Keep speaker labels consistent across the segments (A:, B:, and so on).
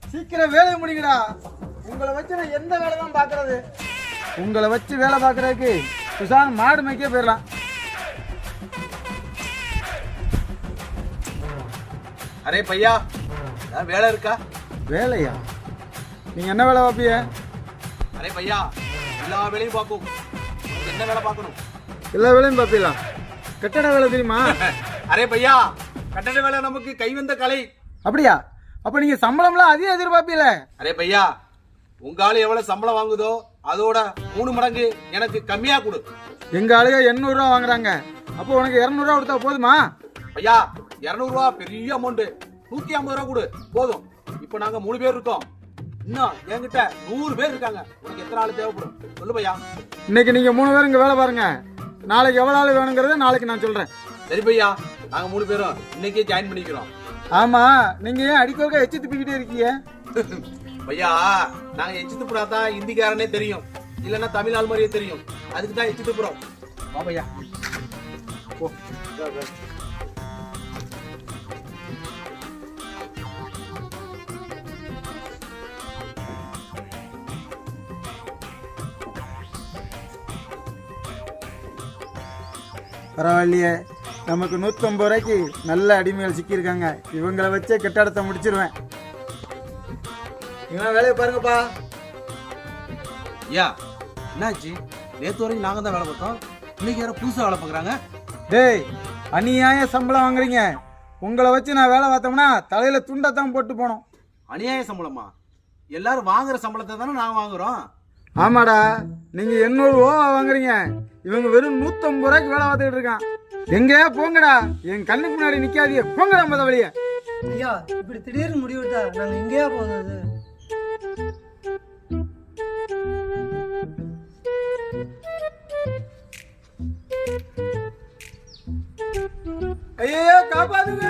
A: சீக்கிரம் வேலையை முடிங்கடா. உங்களை வச்சு நான் எந்த வேலை தான் பார்க்கறது? உங்களை வச்சு வேலை பார்க்கறதுக்கு சுசான் மாடு மேய்க்க போயிடலாம்.
B: அரே பையா, வேலை இருக்கா?
A: வேலையா? நீங்க என்ன வேலை பார்ப்பீங்க?
B: அரே பையா, எல்லா வேலையும் பார்க்கும். என்ன வேலை பார்க்கணும்?
A: எல்லா வேலையும் பார்ப்பீங்களா? கட்டட வேலை தெரியுமா?
B: அரே பையா, கட்டட வேலை நமக்கு கைவந்த கலை.
A: அப்படியா? அப்ப நீங்க சம்பளம்லாம் அதிகம் எதிர்பார்ப்பீல?
B: அரே பையா, உங்க ஆளு எவ்வளவு சம்பளம் வாங்குதோ அதோட 3 மடங்கு எனக்கு கம்மியா கொடு.
A: எங்க ஆளுங்க 800 ரூபா வாங்குறாங்க. அப்போ உனக்கு 200 ரூபா கொடுத்தா போதுமா?
B: ஐயா, 200 ரூபா பெரிய அமௌண்ட். 150 ரூபா கொடு போதும். இப்ப நாங்க 3 பேர் இருக்கோம். இன்னும் என்கிட்ட 100 பேர் இருக்காங்க. உனக்கு எத்தனை ஆள் தேவைப்படும் சொல்லு பையா.
A: இன்னைக்கு நீங்க 3 பேர் இங்க வேலை பாருங்க. நாளைக்கு எவ்வளவு ஆள் வேணுங்கிறத நாளைக்கு நான் சொல்றேன்.
B: சரி பையா, நாங்க 3 பேரும் இன்னைக்கே ஜாயின் பண்ணிக்கிறோம்.
A: ஆமா, நீங்க ஏன் அடிக்கோக்க எச்சு துப்பிக்கிட்டே இருக்கீங்க?
B: பையா, நாங்க எச்சு துப்புறாதான் இந்திக்காரனே தெரியும், இல்லன்னா தமிழ் ஆள் மாதிரியே தெரியும். அதுக்கு தான் எச்சு துப்புறோம். வா பையா, போ.
A: பரவாயில்லையே, நமக்கு 150 ரூபாய்க்கு நல்ல அடிமைகள் சிக்கியிருக்காங்க. இவங்களை வச்சே கட்டடத்தை முடிச்சிருவேன். நீங்க வேலையை பாருங்கப்பா.
B: ஐயா, என்னாச்சு? நேற்று வரைக்கும் நாங்க தான் வேலை பார்த்தோம், இன்னைக்கு யாரும் புதுசா வேலை பார்க்குறாங்க.
A: டேய், அநியாய சம்பளம் வாங்குறீங்க. உங்களை வச்சு நான் வேலை பார்த்தோம்னா தலையில துண்டத்தான் போட்டு போனோம்.
B: அநியாய சம்பளமா? எல்லாரும் வாங்குற சம்பளத்தை தானே நாங்க வாங்குறோம்.
A: ஆமாடா, நீங்க 800 ரூபா வாங்குறீங்க. இவங்க வெறும் 150 ரூபாய்க்கு வேலை பார்த்துக்கிட்டு இருக்கான். எங்கேயா போங்கடா, என் கண்ணுக்கு முன்னாடி நிக்காதீங்க, போங்கடா மொத வழிய.
C: ஐயா, இப்படி திடீர்னு முடிவிட்டா நாங்க எங்கேயா போகிறது?
A: ஐயோ, காப்பாத்துங்க.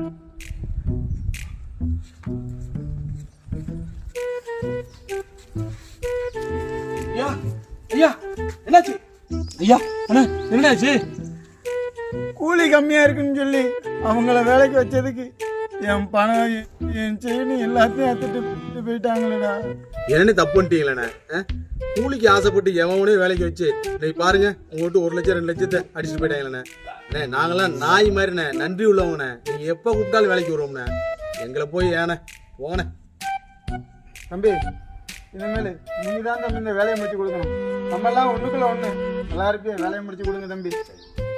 B: ஐயா, ஐயா, என்னாச்சு? ஐயா, அண்ணா, என்னாச்சு?
A: கூலி கம்மியா இருக்குன்னு சொல்லி அவங்கள வேலைக்கு வச்சதுக்கு என் பணம், என் செயின் எல்லாத்தையும் எடுத்துட்டு போயிட்டாங்களேடா.
B: என்னன்னு தப்பு பண்ணிட்டீங்களே? கூலிக்கு ஆசைப்பட்டு எவனே வேலைக்கு வச்சு இன்னைக்கு பாருங்க, உங்கள்கிட்ட 1 லட்சம் 2 லட்சத்தை அடிச்சுட்டு போயிட்டாங்களே. நாங்களாம் நாய் மாதிரிண்ணே, நன்றி உள்ளவங்கண்ணே. நீங்க எப்ப கூப்பிட்டாலும் வேலைக்கு வருவோம்ண்ணே. எங்களை போய் ஏண்ணே போங்கண்ணே.
A: தம்பி, இனிமேல் நீங்க தான் தம்பி இந்த வேலையை முடிச்சு கொடுக்கணும். நம்ம எல்லாம் ஒண்ணுக்குள்ள ஒண்ணு. எல்லாருக்கும் வேலையை முடிச்சு கொடுங்க தம்பி.